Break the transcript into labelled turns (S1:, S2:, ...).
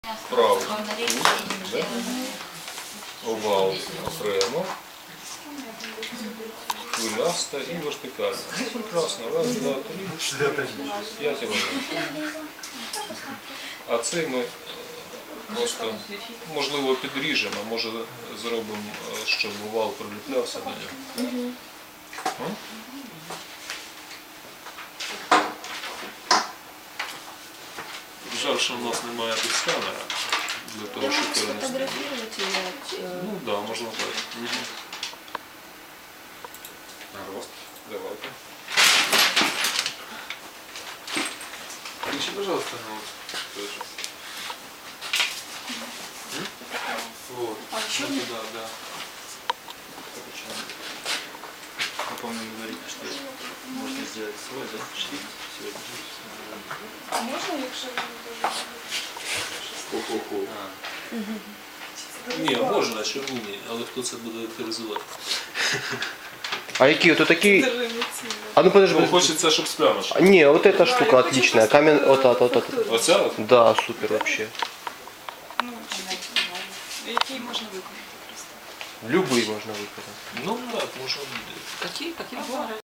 S1: Правий кут, да? Овал окремо, хвиляста і вертикальна. Ну, прекрасно. Раз, два, три, 5 елементів. А цей ми просто, можливо, підріжемо, а може зробимо, щоб овал приліплявся до нього. Жаль, що в нас немає тут сканера для того, щоб перенести. Ну так, да, можна так. Рост. Давайте. Включи, пожалуйста, на вот. Вот.
S2: А еще
S1: ну, да, да. Я помню, говорили, что можно сделать свой, да, шрифт сегодня.
S2: А можна, якщо
S1: Хо-хо-хо. Ні, можна, чому ні, але хто це буде авторизувати?
S3: А какие вот такие? А ну подожди,
S1: Ну,
S3: подожди.
S1: хочеться, щоб з плямочкою.
S3: Не, вот эта штука отличная. Камень, вот это, вот это.
S1: Оця от?
S3: Да, супер вообще.
S2: ну, який можна виконати просто?
S3: Любые можно выбрать.
S1: Ну так, можна буде.
S2: Какие? Какие?